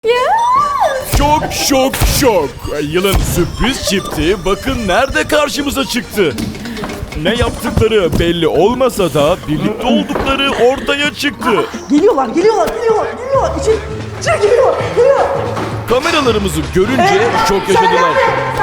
Şok şok şok. Yılın sürpriz çifti bakın nerede karşımıza çıktı. Ne yaptıkları belli olmasa da birlikte oldukları ortaya çıktı. Geliyorlar. İçeri geliyor. Kameralarımızı görünce şok yaşadılar.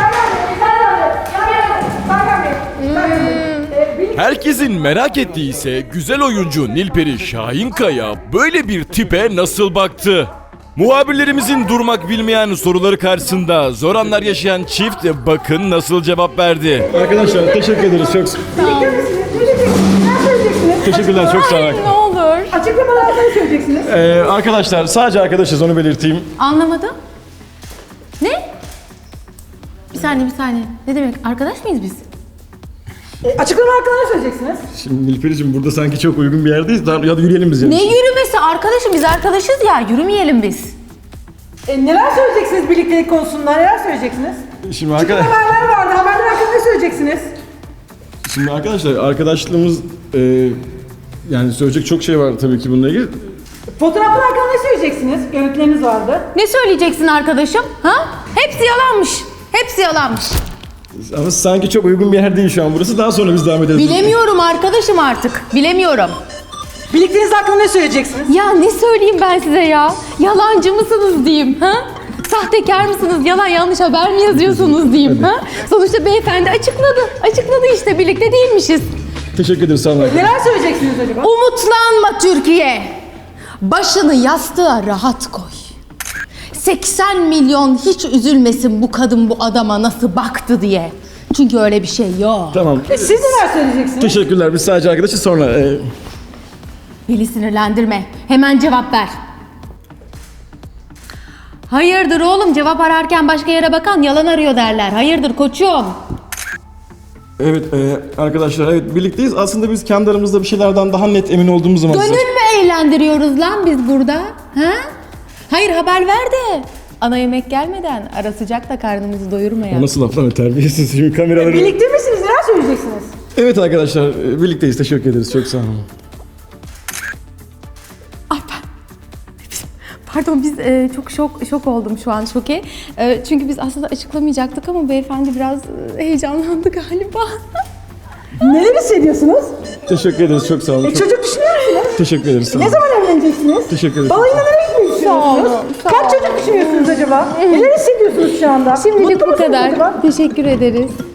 Herkesin merak ettiği ise güzel oyuncu Nilperi Şahinkaya böyle bir tipe nasıl baktı? Muhabirlerimizin durmak bilmeyen soruları karşısında zor anlar yaşayan çift bakın nasıl cevap verdi. Arkadaşlar teşekkür ederiz. Çok Birlikte misiniz? Ne söyleyeceksiniz? teşekkürler. Çok sağ olun. Ne olur. Açıklamalarda ne söyleyeceksiniz? Arkadaşlar sadece arkadaşız, onu belirteyim. Anlamadım. Ne? Bir saniye. Ne demek? Arkadaş mıyız biz? Açıklama hakkında ne söyleyeceksiniz? Şimdi Nilperi'cim burada sanki çok uygun bir yerdeyiz. Hadi yürüyelim biz. Ne yürümesi? Arkadaşım biz arkadaşız ya. Yürümeyelim biz. Neler söyleyeceksiniz birliktelik konusunda? Neler söyleyeceksiniz? Şimdi, Haberler vardı. Haberler hakkında ne söyleyeceksiniz? şimdi arkadaşlar arkadaşlığımız yani söyleyecek çok şey var tabii ki bununla ilgili. Fotoğraflar hakkında ne söyleyeceksiniz? Görüntüleriniz vardı. Ne söyleyeceksin arkadaşım? Ha? Hepsi yalanmış. Ama sanki çok uygun bir yer değil şu an burası. Daha sonra biz devam ederiz. Bilemiyorum arkadaşım artık. Bilemiyorum. Birlikteliğiniz hakkında ne söyleyeceksiniz? Ya ne söyleyeyim ben size ya? Yalancı mısınız diyeyim ha? Sahtekar mısınız? Yalan yanlış haber mi yazıyorsunuz diyeyim ha? Sonuçta beyefendi açıkladı işte birlikte değilmişiz. Teşekkür ederiz. Sağ olun. Neler söyleyeceksiniz acaba? Umutlanma Türkiye. Başını yastığa rahat koy. 80 milyon hiç üzülmesin bu kadın bu adama nasıl baktı diye. Çünkü öyle bir şey yok. Tamam. Siz neler söyleyeceksiniz? Teşekkürler. Biz sadece arkadaşız sonra. Beni sinirlendirme. Hemen cevap ver. Hayırdır oğlum, cevap ararken başka yere bakan yalan arıyor derler. Hayırdır koçum? Evet arkadaşlar evet birlikteyiz. Aslında biz kendi aramızda bir şeylerden daha net emin olduğumuz zaman... Gönül mü eğlendiriyoruz lan biz burada? Ha? Hayır haber ver de. Ana yemek gelmeden ara sıcak da karnımızı doyurmayalım. O nasıl laf lan, terbiyesiz şimdi kameraları... Birlikte misiniz? Neler söyleyeceksiniz? Evet arkadaşlar birlikteyiz. Teşekkür ederiz. Çok sağ olun. Ay pardon biz çok şok oldum şu an şoke. Çünkü biz aslında açıklamayacaktık ama beyefendi biraz heyecanlandı galiba. Neler hissediyorsunuz? Teşekkür ederiz. Çok sağ olun. Çocuk düşünüyor musunuz? Teşekkür ederiz. Sağ Ne olun. zaman evleneceksiniz? Teşekkür ederim. Balayına nereye gitmeyi düşünüyorsunuz? sağ Kaç olun. çocuk düşünüyorsunuz acaba? Neler hissediyorsunuz şu anda? Şimdilik Mutlu bu musunuz kadar. acaba? Teşekkür ederiz.